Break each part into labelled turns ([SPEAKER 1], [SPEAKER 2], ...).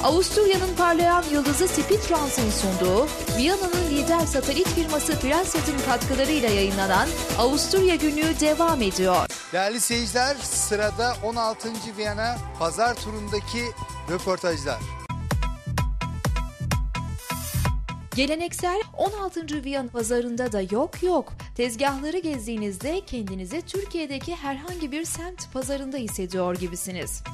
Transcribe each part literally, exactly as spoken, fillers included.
[SPEAKER 1] Avusturya'nın parlayan yıldızı Spitrans'ın sunduğu, Viyana'nın lider satelit firması Prensat'ın katkılarıyla yayınlanan Avusturya Günlüğü devam ediyor.
[SPEAKER 2] Değerli seyirciler, sırada on altıncı Viyana pazar turundaki röportajlar.
[SPEAKER 1] Geleneksel on altıncı Viyana pazarında da yok yok. Tezgahları gezdiğinizde kendinizi Türkiye'deki herhangi bir semt pazarında hissediyor gibisiniz.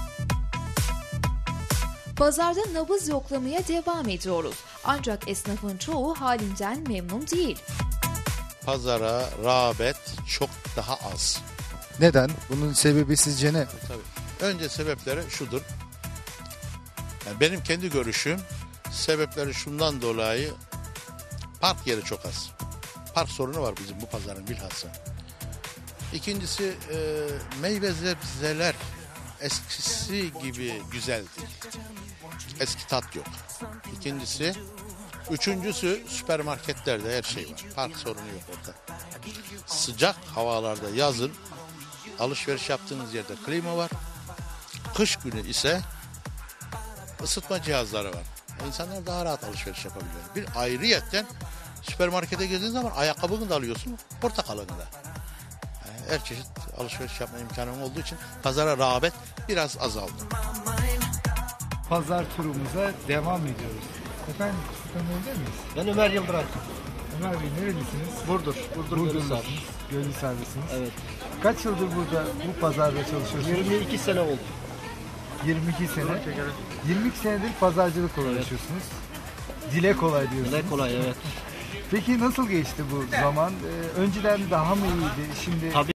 [SPEAKER 1] Pazarda nabız yoklamaya devam ediyoruz. Ancak esnafın çoğu halinden memnun değil.
[SPEAKER 3] Pazara rağbet çok daha az.
[SPEAKER 2] Neden? Bunun sebebi sizce ne?
[SPEAKER 3] Tabii. Önce sebepleri şudur. Yani benim kendi görüşüm, sebepleri şundan dolayı: park yeri çok az. Park sorunu var bizim bu pazarın bilhassa. İkincisi e, meyve sebzeler eskisi gibi güzel değil. Eski tat yok. İkincisi, üçüncüsü süpermarketlerde her şey var. Park sorunu yok orada. Sıcak havalarda yazın alışveriş yaptığınız yerde klima var. Kış günü ise ısıtma cihazları var. İnsanlar daha rahat alışveriş yapabiliyor. Bir ayrıyetten süpermarkete girdiğiniz zaman ayakkabını da alıyorsun, portakalını da. Yani her çeşit alışveriş yapma imkanı olduğu için pazara rağbet biraz azaldı.
[SPEAKER 4] Pazar turumuza devam ediyoruz. Efendim, sizi tanıyabilir miyiz?
[SPEAKER 5] Ben Ömer Yıldıran.
[SPEAKER 4] Ömer Bey nerelisiniz?
[SPEAKER 5] Burdur. Burdur
[SPEAKER 4] Burdurlusunuz.
[SPEAKER 5] Gölhisar.
[SPEAKER 4] Gölhisarlısınız.
[SPEAKER 5] Evet.
[SPEAKER 4] Kaç yıldır burada bu pazarda çalışıyorsunuz?
[SPEAKER 5] yirmi iki sene oldu.
[SPEAKER 4] yirmi iki sene. yirmi iki senedir pazarcılıkla uğraşıyorsunuz. Dile kolay diyorsunuz.
[SPEAKER 5] Dile kolay, evet.
[SPEAKER 4] Peki nasıl geçti bu zaman? Ee, önceden daha mı iyiydi? Şimdi
[SPEAKER 5] Tabii